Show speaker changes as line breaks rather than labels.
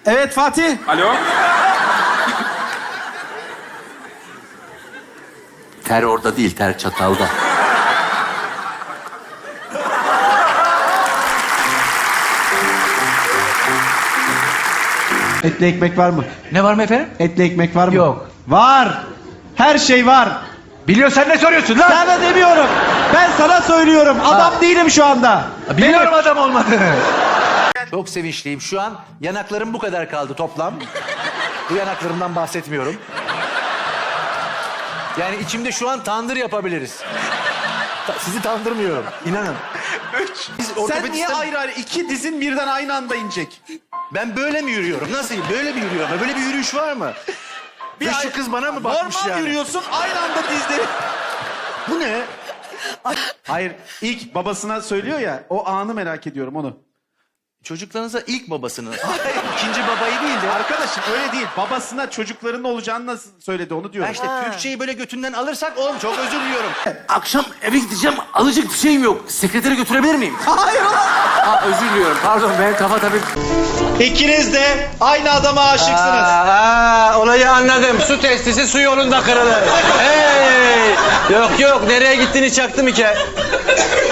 Evet Fatih.
Alo.
Ter orada değil, ter çatalda.
Etli ekmek var mı?
Ne var mı efendim?
Etli ekmek var mı?
Yok.
Var. Her şey var.
Biliyorsan ne soruyorsun lan?
Sana demiyorum. Ben sana söylüyorum. Adam değilim şu anda.
Biliyorum adam olmadığını.
Çok sevinçliyim. Şu an yanaklarım bu kadar kaldı toplam. Bu yanaklarımdan bahsetmiyorum. Yani içimde şu an tandır yapabiliriz. Sizi tandırmıyorum. İnanın.
Sen niye ayrı ayrı? İki dizin birden aynı anda inecek.
Ben böyle mi yürüyorum? Nasıl? Böyle mi yürüyorum? Böyle bir yürüyüş var mı? Bir şu kız bana mı bakmış
Normal
yani?
yürüyorsun, aynı anda dizleri. Bu ne? Hayır, ilk babasına söylüyor ya, o anı merak ediyorum onu.
Çocuklarınıza ilk babasını. Hayır, ikinci babayı değil de.
Arkadaşım öyle değil. Babasına çocukların olacağını nasıl söyledi onu diyorum.
Ya işte Türkçeyi böyle götünden alırsak oğlum çok özür diliyorum.
Akşam eve gideceğim, alacak bir şeyim yok. Sekretere götürebilir miyim?
Hayır ulan.
Aa, özür diliyorum, pardon. Ben kafa tabii...
İkiniz de aynı adama aşıksınız.
Olayı anladım. Su testisi su yolunda kırılır. Hey! Yok yok, nereye gittiğini çaktım hikaye.